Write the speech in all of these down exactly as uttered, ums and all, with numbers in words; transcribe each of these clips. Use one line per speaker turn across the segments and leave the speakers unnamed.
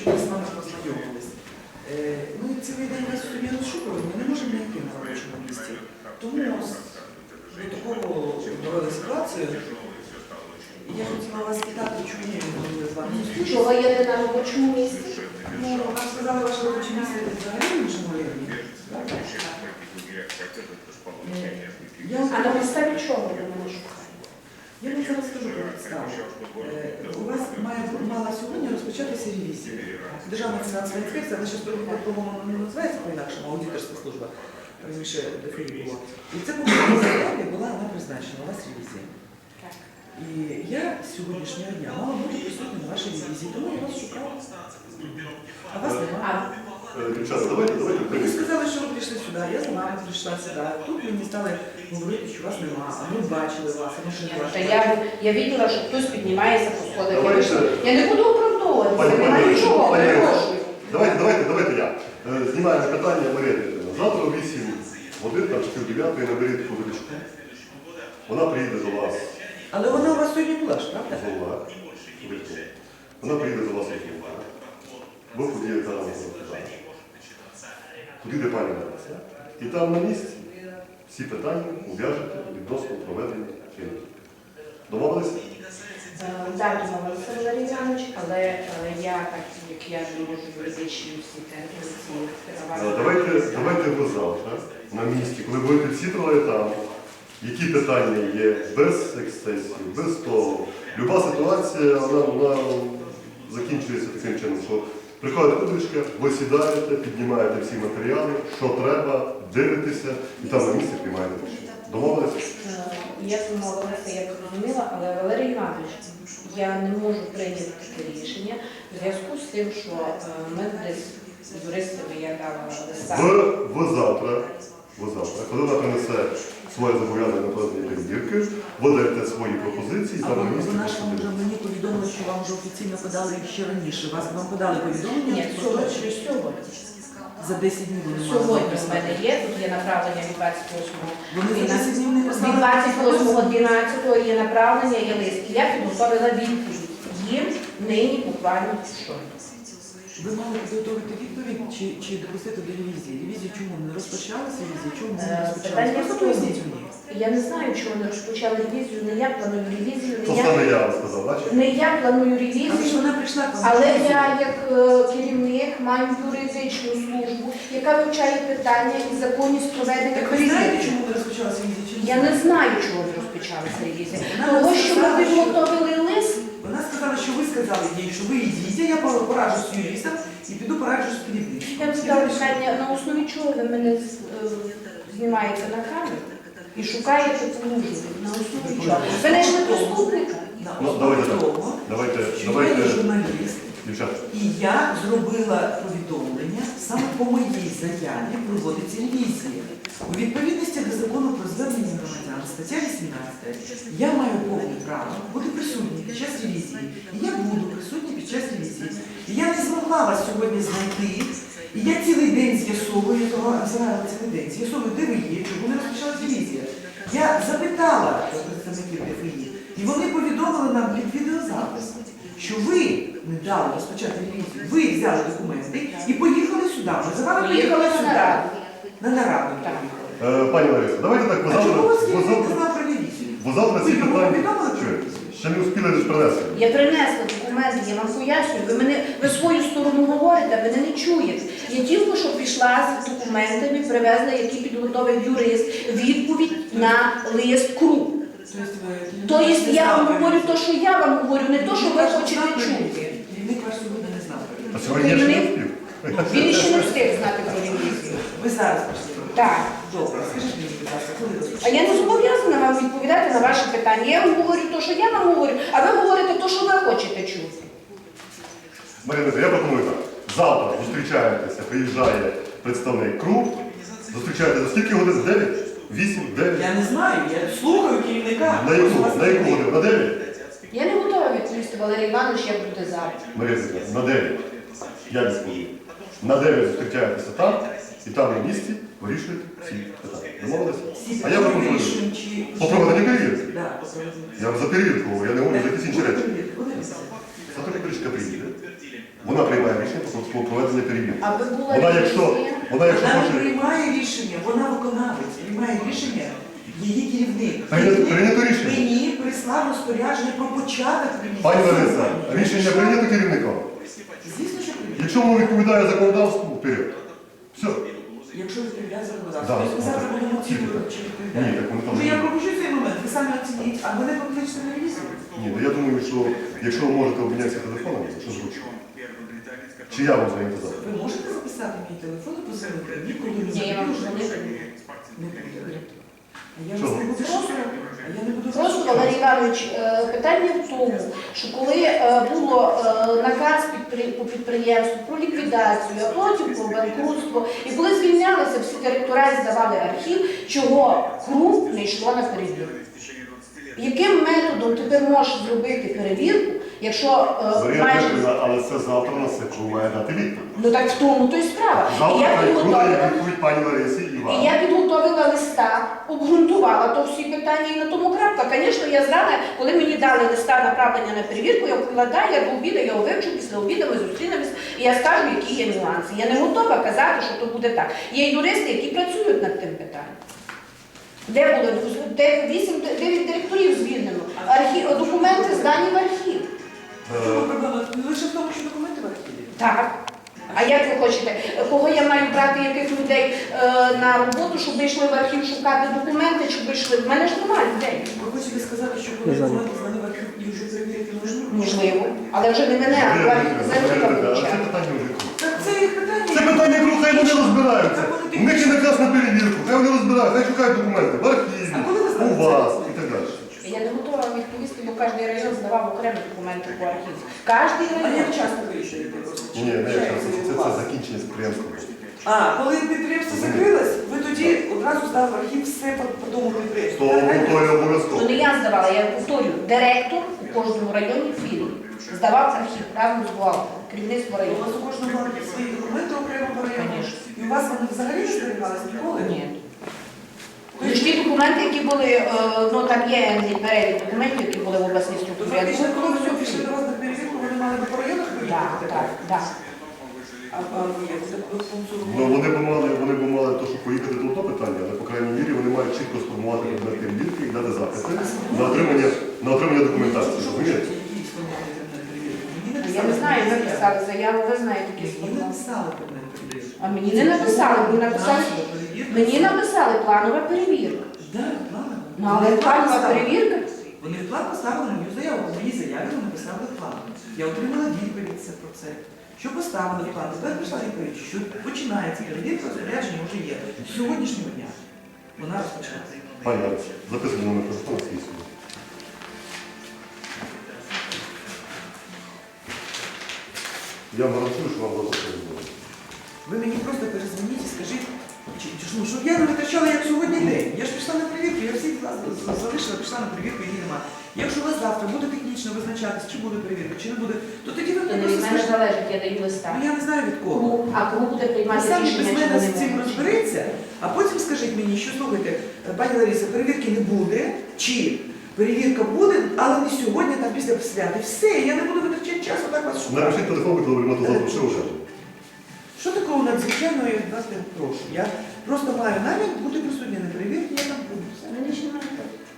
щоб ми з вами познайомились. Ми цілий день вас собі розшукуємо, ми не можемо знайти на робочому місці. Тому до такого довели ситуацію. Я хотіла вас питати, чому ми не з вами зустрічатися.
Чого я не на робочому місці?
Ну, вам сказали, ваше робоче місце взагалі в іншому районі.
А на підставі чого ви мене шукаєте?
Я вам зараз скажу про підставу. У вас має, мала сьогодні розпочатися ревізія. Державна фінансова інспекція, вона зараз по-моєму не називається по-інакшому, аудиторська служба, раніше ДФІ було. І це по моєму заяві була вона призначена, у вас ревізія. І я з сьогоднішнього дня мала бути присутня на вашій ревізії, тому я вас шукала. А вас немає.
Дівчата, давайте, давайте.
Ви сказали, що ви прийшли сюди, я з вами прийшла сюди. Тут мені стали говорити, що вас немає, а ми бачили вас, а ми ще не
Та
бачили.
я, я бачила, що хтось піднімається по сходах. Я,
Давайте.
вийшла. Я не буду оправдовуватися,
Пані-
немає
пані-
нічого,
пані-
перепрошую.
Давайте, давайте, давайте я. Е, Знімаємо питання Марія Дмитрівна. Завтра о вісім годин, там чотири дев'ятої наберіть Кузовичку. Вона приїде до вас.
Але вона у вас сьогодні була ж, правда?
Голова. Вона приїде до вас як голова. Бо подіє там розповідає. Туди, де пані Лариса. І там на місці всі питання ув'яжете відносно проведення чинності. Домовилися?
Так, домовилися, Валерій Іванович, але е, я, так як я не можу юридичні всі терміни,
Е, Давайте, давайте ви завтра на місці, коли будете всі троє там, які питання є без ексцесів, без того. Люба ситуація, вона, вона закінчується таким чином, що приходить кудричка, ви сідаєте, піднімаєте всі матеріали, що треба, дивитеся і там на місці приймаєте рішення. Домовилися?
Я домовилася, я зрозуміла, але Валерій Іванович, я не можу прийняти таке рішення в зв'язку з тим, що е, ми десь з юристами я дала листа.
Ви, ви завтра, ви завтра, коли вона принесе своє зобов'язання на проведення перевірки, ви даєте свої пропозиції,
А
там на
ви
місці.
вона ж вам вже мені повідомили, що вам вже офіційно подали ще раніше. Вас вам подали повідомлення?
Ні, сьогодні, сьогодні.
За десять днів вони мали
Сьогодні в
написати.
мене є, тут є направлення від двадцять восьмого.
Вони за десять днів не
Від
послали?
двадцять восьмого дванадцятого є направлення, є лист. Я підготовила відповідь. Їм нині буквально щойно.
Ви мали підготовити відповідь чи, чи допустити до ревізії? Ревізію чому не розпочалася ревізія? Чому не
Е,
розпочалася?
питання
Просто
в тому.
поясніть мені.
Я не знаю, чого не розпочали ревізію, не я планую ревізію,
То
не я,
саме я вам сказав, бачите?
не я планую
Але ж
ревізію.
вона прийшла к вам.
Але
на
я,
ревізію.
як е, керівник, маю юридичну службу, яка вивчає питання і законність проведення
Так ви знаєте,
ревізії.
чому не розпочалася ревізія? Чи ні?
Я не знаю, чого не розпочалася ревізія.
Вона
Того,
нам
що ми
сказала, що-
підготовили лист,
Вона сказала, що ви сказали їй, що ви йдіть, я пораджу з юристом і піду пораджу з керівником.
я вам задала питання, на основі чого ви мене е, знімаєте на камеру і шукаєте положення. На основі чого? Ви не ж не поступника.
На
Ну,
основі
давайте так.
того,
Давайте,
що я
давайте,
є журналіст,
дівчата.
і я зробила повідомлення, саме по моїй заяві проводиться ревізія. У відповідності до закону про звернення громадян, стаття вісімнадцята, я маю повне право бути присутній під час ревізії. І я буду присутній під час ревізії. І я не змогла вас сьогодні знайти. І я цілий день з'ясовую, я того обзирала цілий день, з'ясовую, де ви є, чому не розпочалась ревізія. Я запитала представників ДФІ, і вони повідомили нам під відеозапис, що ви не дали розпочати ревізію, ви взяли документи і поїхали сюди. Ми за вами
Поїхали
поїхали
на
сюди.
нараду.
На нараду
Так.
поїхали.
Е, Пані Лариса, давайте так, ви
А
завтра,
чому у вас
ви
керівник не
завтра,
знав про ревізію?
ви завтра
Ви
ці
йому
питання,
повідомили про
Чуєте?
ревізію?
Ще не успіли лише принести.
Я принесла документи, я вам пояснюю. Ви мене ви свою сторону говорите, а мене не чуєте. Я тільки що пішла з документами, привезла, які підготовив юрист, відповідь на лист КРУ. Тобто я вам говорю те, що я вам говорю, не те, що ви хочете чути.
Керівник ваш сьогодні не знав про
А
ревізію.
сьогодні я ще не
Керівник?
успів.
Він ще не встиг знати про ревізію.
Ви зараз прийшли.
Так.
Добре, скажіть мені, будь ласка, коли
А
розпочали?
я не зобов'язана вам відповідати на ваші питання. Я вам говорю те, що я вам говорю, а ви говорите те, що ви хочете чути.
Марина, я пропоную так. Завтра зустрічаєтеся, приїжджає представник КРУ. Зустрічаєте за скільки годин? дев'ять? вісім? дев'ять?
Я не знаю, я слухаю керівника.
На яку? На яку годину? На дев'ять?
Я не готова відповісти, Валерій Іванович, як буде завтра.
Марина, на дев'ять. Я відповім. На дев'ять зустрічаєтеся там, і там на місці вирішуєте всі питання. Домовилися?
Всі
А я
питання
пропоную.
вирішуємо, чи-
По проведенню перевірки.
Да, по проведенню.
Я за перевірку, говорю, я не говорю за якісь інші речі.
Подивіться.
Саторічка приїде, вона приймає рішення про проведення перевірки.
Аби була
Вона якщо,
ревізія.
вона якщо
Вона не
хоче
приймає рішення, вона виконавець, приймає рішення її керівник.
Прийнято-
Керівник
прийнято рішення.
Мені прислав розпорядження про початок ревізії.
Пані Лариса, рішення прийнято керівником.
Звісно, що прийнято.
Якщо воно відповідає законодавству, вперед. Все.
Якщо відповідає законодавство.
Да.
Тобто ми завтра будемо оцінювати, чи
Ні,
відповідає.
так вони там.
Може, я пропущу цей момент, ви самі оцініть, а мене покличте на ревізію.
Ні, ну я думаю, що якщо ви можете обмінятися телефоном, що зручно. Чи я вам звонити завтра?
Ви можете записати мій телефон і позвонити мені, коли ви
Ні, я вам
вже
дзвонити
не буде. А я
Чого?
вас не буду шукати. А я не буду вас
Просто,
шукати.
Валерій Іванович, е, питання в тому, що коли е, було е, наказ підпри- по підприємству про ліквідацію, а потім про банкрутство, і коли звільнялися всі директора і здавали архів, чого КРУ не йшло на перевірку? Яким методом тепер можеш зробити перевірку, якщо е,
Марія
майже...
Петрівна, але це завтра на СЕКУ має дати відповідь.
Ну так в тому то й справа. І
Завтра
я
хай буде
підготовила...
відповідь пані Ларисі і
І
вам.
я підготовила листа, обґрунтувала то всі питання і на тому крапка. Звісно, я знала, коли мені дали листа направлення на перевірку, я вкладаю, я до обіду його вивчу, після обіду ми зустрінемось, і я скажу, які є нюанси. Я не готова казати, що то буде так. Є юристи, які працюють над тим питанням. Де було? Де вісім, дев'ять директорів звільнено. Архів, документи здані в архів.
В чому проблема? Не лише в тому, що документи в архіві.
Так. А як ви хочете? Кого я маю брати, яких людей е, на роботу, щоб ви йшли в архів шукати документи, щоб ви йшли? В мене ж немає людей.
Ви хочете сказати, що коли документи знали в архів і вже перевірити можливо?
Можливо. Але вже не мене, а
Марія
архів
Петрівна, Марія Петрівна, але це
вивчати.
питання вже круто.
Це, це їх питання.
Це питання круто, хай вони розбираються. У них є наказ на перевірку, хай вони розбираються, хай шукають документи в архіві,
А коли ви
у
знаєте
вас
це?
і так далі.
Я не готова вам відповісти, бо кожен район здавав окремі документи по архіву. Кожен
А
район.
як часто вирішуєте?
Ні, ні, не час, це, це закінчення підприємства.
А, коли підприємство закрилось, ви тоді одразу здали в архів все по, по тому підприємству.
То,
Так,
ну, то
так?
є обов'язково.
То не я здавала, я повторюю, директор у кожному районі філії здавав архів разом з бухгалтером, керівництво
У
району.
вас у кожного були свої документи окремо по району?
Конечно.
І у вас вони взагалі не зберігалися ніколи?
Ні. Тож ті документи, які були, е, ну там є перелік документів, які були в обласній
То
структурі. Я
фактично,
думаю,
коли
коли
ви
все
пішли
пішли.
до вас на перевірку, вони мали би по районах
Так,
перевірити?
так, так.
А, а ні, це до пункту.
Ну, вони б мали, вони б мали то, щоб поїхати до того питання, але, по крайній мірі, вони мають чітко сформувати предмет перевірки і дати запити на отримання, на отримання документації. Розумієте?
Я не знаю, ви писали заяву, ви знаєте, які
Мені
сформували.
написали предмет перевірки.
А мені не написали, мені написали, мені написали планова перевірка.
Так, план.
Ну, але планова перевірка.
Вони в план поставили мою заяву, в моїй заяві вони написали план. Я отримала відповідь це про це. Що поставили в план? Тепер прийшла відповідь, що починається перевірка, розпорядження вже є. З сьогоднішнього дня вона розпочалася.
Пані Ларисі, записуємо номер телефону свій сьогодні. Я вам гарантую, що вам завтра все буде.
Ви мені просто перезвоніть і скажіть, чи, чи, ну, щоб я не витрачала як сьогодні день. Я ж пішла на перевірку, я всі діла з- залишила, пішла на перевірку, її нема. Якщо у вас завтра буде технічно визначатись, чи буде перевірка, чи не буде, то тоді ви
То
мені
не
просто
від мене
скажете.
залежить, я даю листа.
Ну я не знаю від кого.
Кому- А кому буде
Ви
приймати
самі без
рішення, чи
мене
вони
з цим
можуть?
розберіться, а потім скажіть мені, що слухайте, пані Ларисо, перевірки не буде, чи перевірка буде, але не сьогодні, там після свята. І все, я не буду витрачати часу, так вас шукати.
Напишіть телефон, коли ви то завтра, що вже.
Що такого надзвичайного я від вас не прошу? Я просто маю намір бути присутня на перевірці, я там буду. Все.
Мені ще немає.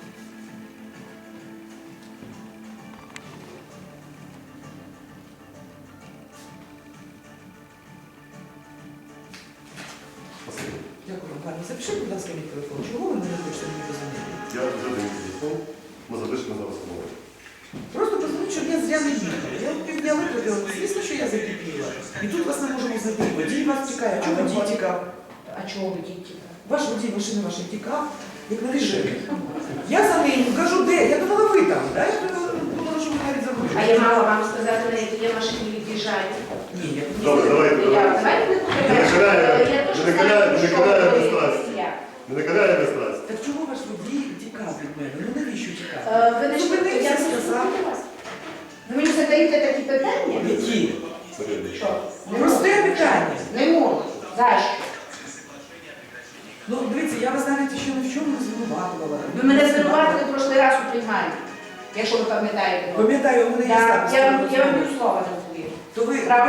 Спасибо.
Дякую вам, пані. Запишіть, будь ласка, мій телефон. Чого ви не хочете мені позвонити?
Я вже даю телефон, ми запишемо зараз умови.
Просто позвоніть, щоб я зря не їхала. Я півдня витрапила, звісно, що я закипіла. І тут вас не можемо знайти. Водій вас тікає. Чого водій тікав?
А чого ви діти?
Ваш водій машини вашої тікав, як на режимі. Я за ним кажу, де? Я думала, ви там. Да? Я думала, думала, що ви навіть забули.
А я мала вам сказати, на які я машині від'їжджаю.
Ні, я
Добре, давайте,
Я-
давайте.
Давайте не
Не накаляє,
Я теж
не накаляє,
знаю,
не
що
накаляє
ви-
без страсті.
Я.
Не накаляє без страсті.
Так чому ваш водій тікав від мене? Ну навіщо тікав?
Е, Ви не
Зупинився,
я не
сказав.
слухаю вас. Ви мені задаєте такі питання?
Які?
Що? Не
Просте
можу.
питання.
Не можу. За що?
Ну, дивіться, я вас навіть ще ні в чому не звинуватувала.
Ви мене звинуватили в прошлий раз у прийманні, якщо ви пам'ятаєте.
Пам'ятаю, у мене є
Да,
запис.
Я вам я вам ні слова не повірю.
То ви,
Правда?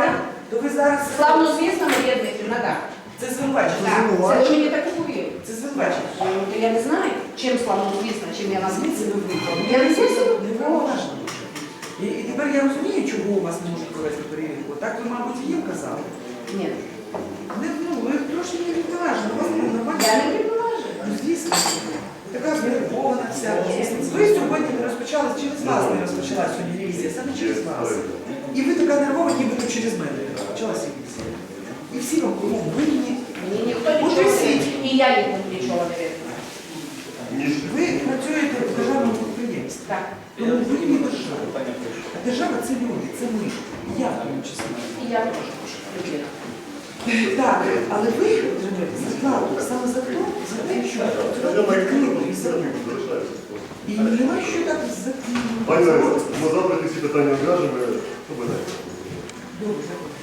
То ви зараз
Славно звісно, Марія Дмитрівна, так.
це звинувачення.
Так, це ви мені так говорили.
Це звинувачення.
То я не знаю, чим славно звісно, чим я вас
Звідси ви виїхали.
Я не зовсім
Неважно. І, і тепер я розумію, чого у вас не можуть провести перевірку. Так ви, мабуть, їм казали.
Ні.
Не, ну, ви трошки не відважно, у вас не нормально.
Я не відноважу.
Ну, звісно. Така знервована вся. Ви сьогодні не розпочали, через вас не розпочалася сьогодні ревізія, саме через вас. І ви така нервова, нібито через мене розпочалася ревізія. І всі вам кругом винні.
Мені ніхто
От
нічого
і
не
всі.
винен. І я нікому нічого не винна.
Ніж
Ви працюєте в державному підприємстві.
Так.
Тому ви не держава. А держава це люди, це ми. Я в тому числі.
І я теж людина.
Так, але ви отримуєте зарплату саме за те, за те, що відкрито і закрито. І немає що так
Пані Лариса,
закрито.
ми завтра ці всі питання в'яжемо, що буде?
Добре,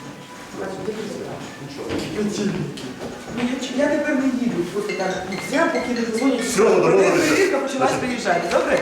Ну, я, я тепер не їду, просто так взяв, поки не дозвонять.
Все, домовилися.
Перевірка почалась приїжджати, добре?